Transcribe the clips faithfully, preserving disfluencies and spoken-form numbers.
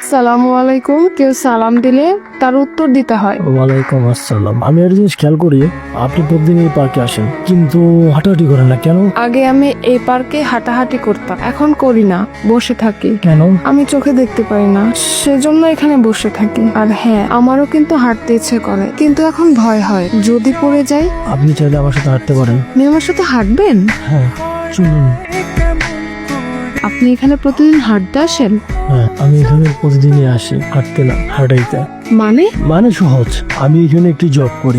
আসসালামু আলাইকুম। কেউ সালাম দিলে তার উত্তর দিতে হয়। ওয়ালাইকুম আসসালাম। আমি একটা জিনিস খেয়াল করি, আপনি প্রতিদিন এই পার্কে আসেন কিন্তু হাঁটাহাঁটি করেন না কেন? আগে আমি এই পার্কে হাঁটাহাঁটি করতাম, এখন করি না, বসে থাকি। কেন? আমি চোখে দেখতে পাই না, সেজন্য এখানে বসে থাকি। আর হ্যাঁ, আমারও কিন্তু হাঁটতে ইচ্ছে করে, কিন্তু এখন ভয় হয় যদি পড়ে যাই। আপনি চাইলে আমার সাথে হাঁটতে পারেন। আপনি আমার সাথে হাঁটবেন? হ্যাঁ চলুন। আপনি এখানে প্রতিদিন হাঁটতে আসেন? হ্যাঁ, আমি এখানে প্রতিদিনই আসি, হাঁটতে না হাঁটাইতে। মানে? মানে সহজ, আমি এখানে একটি জব করি।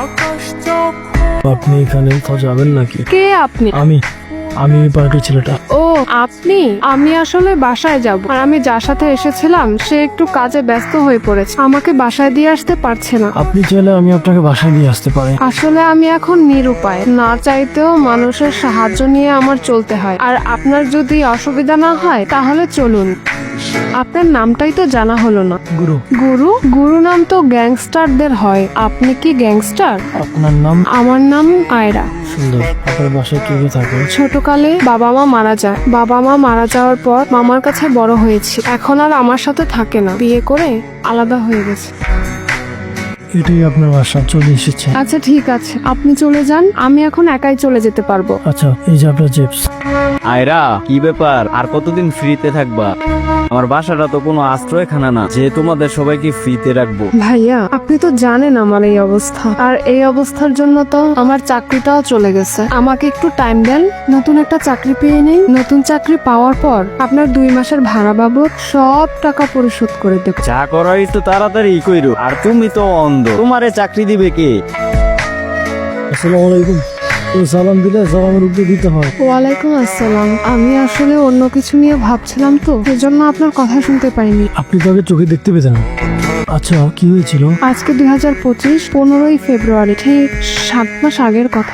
আপনি এখানে তো যাবেন নাকি? কে আপনি? আমি আমি এই পার্কের ছেলেটা। ও আপনি? আমি আসলে বাসায় যাব, আর আমি যার সাথে এসেছিলাম সে একটু কাজে ব্যস্ত হয়ে পড়েছে, আমাকে বাসায় দিয়ে আসতে পারছে না। আপনি চাইলে আমি আপনাকে বাসায় নিয়ে আসতে পারি। আসলে আমি এখন নিরুপায়, না চাইতেও মানুষের সাহায্য নিয়ে আমার চলতে হয়। আর আপনার যদি অসুবিধা না হয় তাহলে চলুন। আপনার নামটাই তো জানা হলো না। গুরু। গুরু? গুরু নাম তো গ্যাংস্টারদের হয়, আপনি কি গ্যাংস্টার? আপনার নাম? আমার নাম আয়রা। সুন্দর। আপনার বাসায় কে কে থাকে? ছোটকালে বাবা মা মারা যায়, বাবা মা মারা যাওয়ার পর মামার কাছে বড় হয়েছি, এখন আর আমার সাথে থাকে না, বিয়ে করে আলাদা হয়ে গেছে। এটাই আপনার বাসা, চলে এসেছে। আচ্ছা ঠিক আছে, আপনি চলে যান, আমি এখন একাই চলে যেতে পারবো। আচ্ছা, এই যে আপনার চিপস। আয়রা, কি ব্যাপার? আর কতদিন ফ্রিতে থাকবা? আমার বাসাটা তো কোনো আশ্রয়খানা না যে তোমাদের সবাইকে ফ্রিতে রাখবো। ভাইয়া, আপনি তো জানেন আমার এই অবস্থা, আর এই অবস্থার জন্য তো আমার চাকরিটাও চলে গেছে। আমাকে একটু টাইম দেন, নতুন একটা চাকরি পেয়ে নেই। নতুন চাকরি পাওয়ার পর আপনার দুই মাসের ভাড়া বাবদ সব টাকা পরিশোধ করে দেব। যা করার একটু তাড়াতাড়ি কইরো। আর তুমি তো অন্ধ, তোমারে চাকরি দিবে কে? আসসালামু আলাইকুম। তো সালাম দিলে সালামের উত্তর দিতে হয়। ওয়ালাইকুম আসসালাম। আমি আসলে অন্য কিছু নিয়ে ভাবছিলাম তো, সেজন্য আপনার কথা শুনতে পাইনি। আপনি তো আগে চোখে দেখতে পেতেন। আচ্ছা, কি হয়েছিল? আজকে দুই হাজার পঁচিশ পনেরোই ফেব্রুয়ারি, ঠিক সাত মাস আগের কথা।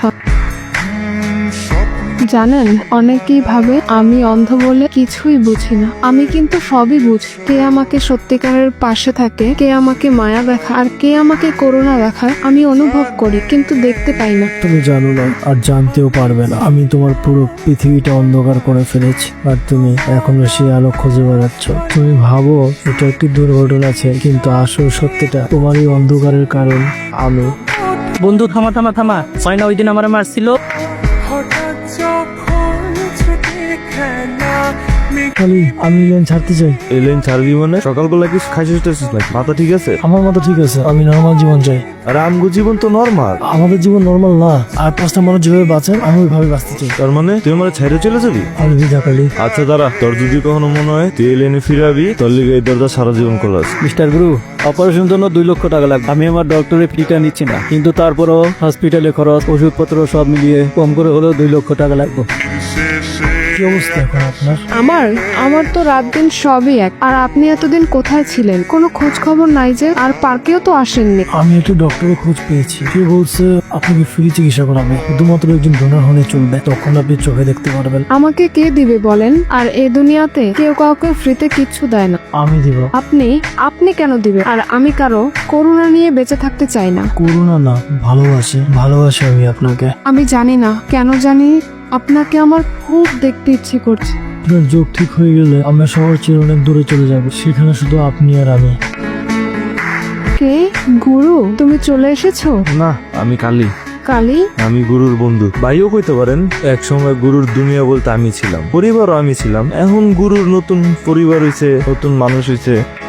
জানেন, অনেকেই ভাবে আমি অন্ধ বলে কিছুই বুঝি না, আমি কিন্তু সবই বুঝি। কে আমাকে সত্যিকারের পাশে থাকে, কে আমাকে মায়া দেখায়, আর কে আমাকে করুণা দেখায় আমি অনুভব করি, কিন্তু দেখতে পাই না। তুমি জানো না, আর জানতেও পারবে না। আমি তোমার পুরো পৃথিবীটা অন্ধকার করে ফেলেছি, আর তুমি এখনো সেই আলো খুঁজে বেড়াচ্ছ। তুমি ভাবো এটা একটি দুর্ঘটনা আছে, কিন্তু আসল সত্যিটা তোমার এই অন্ধকারের কারণ আমি। বন্ধু থামা থামা থামা হয় না, ওই দিন আমার মারছিল। খালি আমি লেন ছাড়তে চাই। এই লাইন ছাড়বি মানে? সকালবেলা কি খাইছিস টাইছিস নাকি? মাথা ঠিক আছে? আমার মতো ঠিক আছে, আমি নর্মাল জীবন চাই। আর আমগো জীবন তো নর্মাল। আমাদের জীবন নর্মাল না, আর পাঁচটা মানুষ যেভাবে বাঁচে আমি ওইভাবে বাঁচতে চাই। তার মানে তুই আমার ছাইরে চলে যাবি? আমি বিধা কালি। আচ্ছা দাঁড়া, তোর যদি কখনো মনে হয় তুই এই লাইনে ফিরাবি, তোর লিগে এই দরজা সারা জীবন খোলাস। মিস্টার গুরু, অপারেশনের জন্য দুই লক্ষ টাকা লাগবে। আমি আমার ডক্টরের ফিটা নিচ্ছি না, কিন্তু তারপরও হসপিটালে খরচ, ওষুধপত্র সব মিলিয়ে কম করে হলেও দুই লক্ষ টাকা লাগবে। কি অবস্থা এখন আপনার? আমার আমার তো রাত দিন সবই এক। আর আপনি এতদিন কোথায় ছিলেন? কোনো খোঁজ খবর নাই যে, আর পার্কেও তো আসেননি। আমি একটা ডক্টরের খোঁজ পেয়েছি, সে বলছে আপনাকে ফ্রি চিকিৎসা করাবে, শুধুমাত্র একজন ডোনার হলে চলবে, তখন আপনি চোখে দেখতে পারবেন। আমাকে কে দিবে বলেন? আর এই দুনিয়াতে কেউ কাউকে ফ্রিতে কিচ্ছু দেয় না। আমি দিব। আপনি আপনি কেন দিবেন? আর আমি কারো করুণা নিয়ে বেঁচে থাকতে চাই না। করুণা না, ভালোবাসি ভালোবাসি আমি আপনাকে। আমি জানি না কেন জানি আপনাকে আমার খুব দেখতে ইচ্ছে করছে। আপনার যোগ ঠিক হয়ে গেলে আমরা শহর ছেড়ে অনেক দূরে চলে যাব, সেখানে শুধু আপনি আর আমি। কে? গুরু, তুমি চলে এসেছো? না, আমি কালি। কালি? আমি গুরুর বন্ধু। ভাইও কইতে পারেন। এক সময় গুরুর দুনিয়া বলতে আমি ছিলাম, পরিবারও আমি ছিলাম। এখন গুরুর নতুন পরিবার হইছে, নতুন মানুষ হইছে।